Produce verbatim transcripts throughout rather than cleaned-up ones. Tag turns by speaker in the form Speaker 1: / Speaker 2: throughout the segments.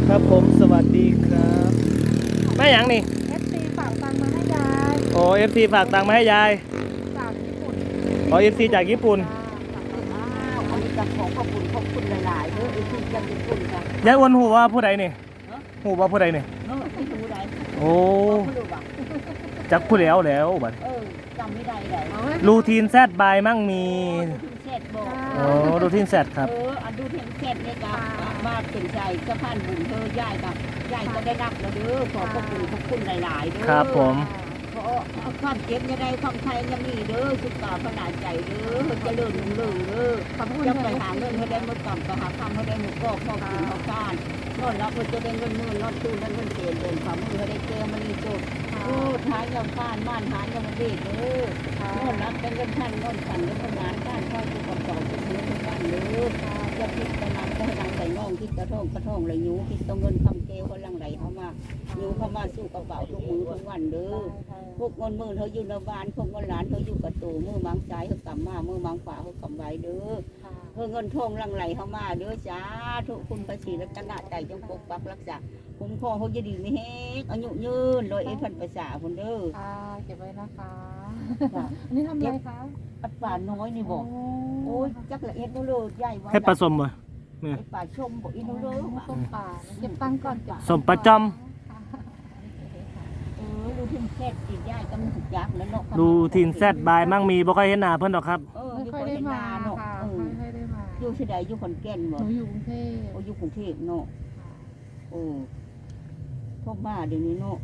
Speaker 1: ครับผมสวัสดีครับแม่หยังนี่
Speaker 2: เอฟซีฝากตังค์มาให้ยาย
Speaker 1: โอ้เอฟซีฝากตังค์มาให้ยาย
Speaker 2: จากญี่ปุ่น
Speaker 1: อ๋อเอฟซีจากญี่ปุ่น
Speaker 2: อ้าวอันนี้จะขอขอบคุณขอบคุณหลายๆเด้อเอฟซีจากญี่ปุ่นจ้ะ
Speaker 1: ยายอ้วนหูว่าผู้ใดนี่หูว่าผู้ใดนี่
Speaker 2: เนาะที่ดูได้
Speaker 1: โอ้
Speaker 2: ไม่รู้ว่ะ
Speaker 1: จักผู้แล้วแล้วบัด
Speaker 2: เออจำไม่ได้เลย
Speaker 1: รูทีนแซดบายมั่งมี
Speaker 2: ดูทีเสร็จบอก
Speaker 1: โอ้รูทีนแซดครับ
Speaker 2: เอออันดูทีเสร็จเนี่ยจ้ะมาเป็นใจจะผ่านบุญเธอยายกับยายก็ได้รับแล้วเด้อขอขอบคุณขอบคุณหลายๆเด้อ
Speaker 1: ครับผม
Speaker 2: เพราะความเจ็บยังไงความไทยยังมีเด้อสุขภาพขนาดใจเด้อเจะเลื่อนลุ่งเรืองเด้อจะไปหาเงินให้ได้หมดกำไปหาคำให้ได้หมดก็พ่อกินพ่อการนอนรับเพื่อจะได้เงินหมื่นนอนตู้นั้นเงินเศษเดินฝ่ามือให้ได้เจอมันนี่จุดโอ้ท้ายยังผ่านม่านหายังมันเด็กเด้อนอนรับเป็นเงินพันนอนขันเงินทำงานการข้าวทุกคนต่อทุกเงินทุกบ้านเด้อจะพิจารณาก็ให้นางใส่น่องคิดกระท่องกระท่องไหลยูคิดต้องเงินคำเกลเขาลังไหลเข้ามายูเข้ามาสู้กระเป๋าทุกมือทุกวันเด้อ พวกเงินมือเขาอยู่ในบ้านพวกเงินหลานเขาอยู่กับตู่มือมังใจเขากำมามือมังฝาเขากำไว้เด้อเพื่อเงินทองลังไหลเข้ามาเด้อจ้าทุกคุณพระศรีรัตนใจจงปกปักรักษาคุ้มครองเขาจะดีไม่แห้งอายุยืนโดยเอพันภาษาคนเด้อ
Speaker 3: ค่ะเก็บไว้นะคะ
Speaker 2: จ้ะ
Speaker 3: อันนี้ทำอะไรคะ
Speaker 2: อัดป่าน้อยนี่บอกโอ้ยจักละเอียดนู่นเลยใหญ่ไว้
Speaker 1: ให้ผสมบ่
Speaker 2: ไอ้ป่าชมบอกอีนู่นเลย
Speaker 3: ส้มป่าเก็บตังค์ก่อนจ้ะ
Speaker 1: สมประจอม
Speaker 2: เออดูทิ้งแค่ตีใหญ่ก็มันถูกยักแล้วเนาะ
Speaker 1: รูทีนแซดบายมั่งมีบ่ค่อยเห็นหน้าเพิ่นดอกครับ
Speaker 2: เออ
Speaker 3: ไม่
Speaker 2: อยู่
Speaker 3: ค่อย
Speaker 2: คน
Speaker 3: ได้
Speaker 2: เห็น
Speaker 3: มา
Speaker 2: นาเนาะ
Speaker 3: ค่ะ
Speaker 2: เออ
Speaker 3: ไม่ค่อยได้มา
Speaker 2: อยู่ที่ใดอยู่ขอนแก่น
Speaker 3: ห
Speaker 2: บ่
Speaker 3: นูอยู่กรุงเทพ
Speaker 2: โอ้อยู่กรุงเทพเนาะโอ้พวกบ้าเดี๋ยวนี้เนาะ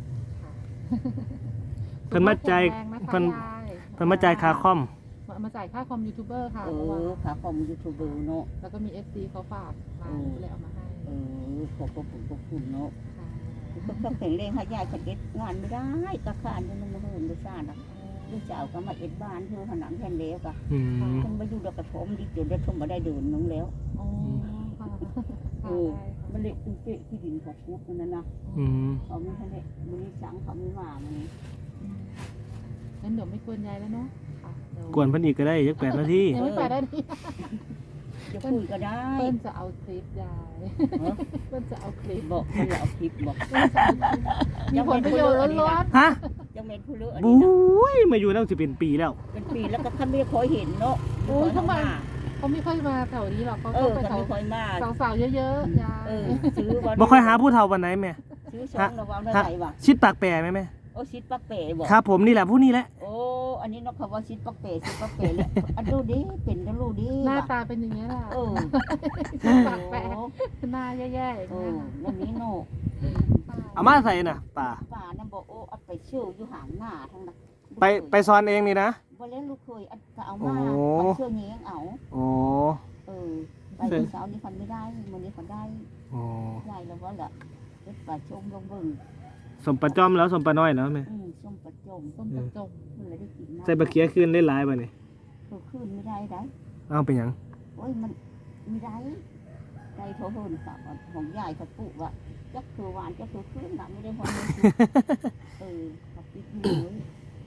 Speaker 1: เพิ่นมาจ่ายเพิ่น เพิ่นมาจ่ายค่าคอม
Speaker 3: มามาจ่ายค่าคอมยูทูบเบอร์ค่ะ
Speaker 2: เอ
Speaker 3: เมื่อวาน
Speaker 2: อขาคอมยูทูบเบอร์เนาะ
Speaker 3: แล้วก็มีเอฟซีเขาฝากมาเลยเอามาให้
Speaker 2: เออขอบคุณขอบคุณเนาะ
Speaker 3: ค่ะ
Speaker 2: ก็ต้องแข็งแรงให้ยายขัดเอ็ดงานไม่ได้ตะขานยังมาเฮินไม่ทราบอ่ะลูกสาวก็มาเอ็ดบ้านเธอผนังแผ่นเล็กอ่ะ
Speaker 1: อืม
Speaker 2: ฉันมาอยู่ดอกกระถมดิเดี๋ยวได้ชมมาได้เดินน้องแล้ว
Speaker 3: อ๋อค่ะ
Speaker 2: เออมันเละตุ้งเป๊ะที่ดินของพุทธนั่นนะ
Speaker 1: อืม
Speaker 2: เขาไม่ทันได้มันนี่สังเขาไม่มามันนี่
Speaker 3: งั้นเดี๋ยวไม่กวนยายแล้วเนาะค่ะเดี๋ยว
Speaker 1: กวนเพิ่นอีกก็ได้จักแปดนาที
Speaker 3: ยังไม่ไปได้นี่
Speaker 2: จะคุยก็ได้
Speaker 3: เปิ้ลจะเอาคลิปยายเปิ้ลจะเอาคลิป
Speaker 2: บอกเขาอย่าเอาคลิปบอก
Speaker 3: เปิ้ลจะเอาคลิปมีผลประโยชน์ล้วน
Speaker 1: ฮะ
Speaker 2: ยังเป็นผู้เลือกอัน
Speaker 1: บุ
Speaker 2: นี้นะ
Speaker 1: ้ยมาอยู่แล้วสิเป็นปีแล้ว
Speaker 2: เป็นปีแล้วก็ท่านไม่ค่อยเห็นเนาะ
Speaker 3: ๆโอ้ยทำไมเขาไม่ค่อยมาแถวนี้หรอกเขา
Speaker 2: เอ
Speaker 3: ต้อ
Speaker 2: อง
Speaker 3: ไป
Speaker 2: ท่าน
Speaker 3: แถว
Speaker 2: ไม่ค่อยมา
Speaker 3: สาวๆเยอะๆยาย
Speaker 2: เออซื้อวัน
Speaker 1: บ่ค่อยหาผู้เฒ่าวันไหนแม่
Speaker 2: ซื้อสองระวังได้ไหนวะ
Speaker 1: ชิดปากแปรไหมแม่
Speaker 2: โอ้ชิดปักเป๋บอก
Speaker 1: ครับผมนี่แหละผู้นี้แหละ
Speaker 2: โอ้อันนี้นกเขาว่าชิดปักเป๋ชิดปักเป๋เลยอันดูดิเป็นกันดูดิ
Speaker 3: หน้าตาเป็นอย่างนี้ยแหละ
Speaker 2: เออ
Speaker 3: ปากแปะหน้าแย่ๆอย่าง
Speaker 2: เอ
Speaker 3: เงี้
Speaker 2: อย นั่นนี้โน
Speaker 1: เอามาใส่น่ะป่า
Speaker 2: ป่านั่นบอกโอ้อัดไปเชื่ออยู่ห่างหน้าทั้งนั้น
Speaker 1: ไปไปซ้อนเองนี่นะ
Speaker 2: บ่เล่นลูกเคยอัดก็เอามา
Speaker 1: โอ้
Speaker 2: เอาเชื่อเงี้ยงเอา
Speaker 1: โอ้
Speaker 2: เออไปเช้านี้ฟันไม่ได้มันนี้ฟันได้
Speaker 1: โอ้
Speaker 2: ใหญ่แล้วว่าละเอ็ดป่าชมลงเบิ่ง
Speaker 1: สมปลาจอมแล้วสมปลาน้อยแล้วแม่
Speaker 2: อืมส้มประจม
Speaker 3: ต้มกระจง
Speaker 2: มันเลยได้กินนะ
Speaker 1: ใส่บะเขียขึ้นได้หลายบ่นี่
Speaker 2: เธอขึ้นไม่ได้ได้
Speaker 1: เอาเป็นหยัง
Speaker 2: โอ้ยมันไม่ได้ใจโถเฮินค่ะของยายเขาปลูกว่าจักคือหวานจักคือขึ้นนะไม่ได้พอเลยเออเขาปิดมือ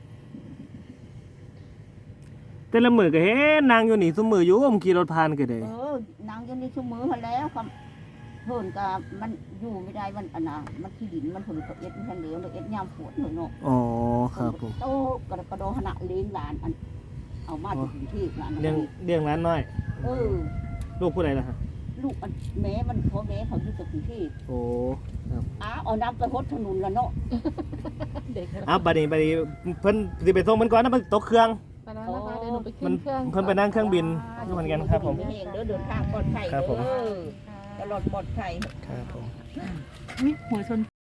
Speaker 1: แต่ละมือก็เห็นนางอยู่นี่ซุมืออยู่ผมขี่รถผ่านก็ได้
Speaker 2: เออนางอยังนี้ชั่วมือมาแล้วครับเฮินกับมันอยู่ไม่ได้มันอันน่ะมันที่ดินมันผลกับเอ็ดมันเหลวเอ็ดยามฝนหน่อยเนาะ
Speaker 1: อ๋อครับผม
Speaker 2: โตกระกระโดขณะเลี้ยงหลานอันเอามาจากกรุงเทพหลาน
Speaker 1: เลี้ยงเลี้ยงร้านน้อย
Speaker 2: เออ
Speaker 1: ลูกผู้ใดล่ะฮะ
Speaker 2: ลูกอันแม่มันพ่อแม่เขาอยู่จากกรุงเทพ
Speaker 1: โอ้
Speaker 2: อ้าเอาน้ำไปหดถนนละเนาะ
Speaker 3: เด็ก
Speaker 1: อ้าวบัดนี้บัดนี้เพิ่นสิไปส่งมันก่อนนะมันตกเครื่อง
Speaker 3: ไปแล้วนะคะเดี๋ยวหนูไป
Speaker 1: มั
Speaker 3: ขึ้
Speaker 1: น
Speaker 3: นเครื่อง
Speaker 1: เพิ่นไปนั่งเครื่องบินอยู่เหมือนกันครับผม
Speaker 2: เองเด้อเดินทางปลอดภัย
Speaker 1: ครับผม
Speaker 2: เด้อตลอดปลอดภัย
Speaker 1: ครับผม
Speaker 3: วิหัวชน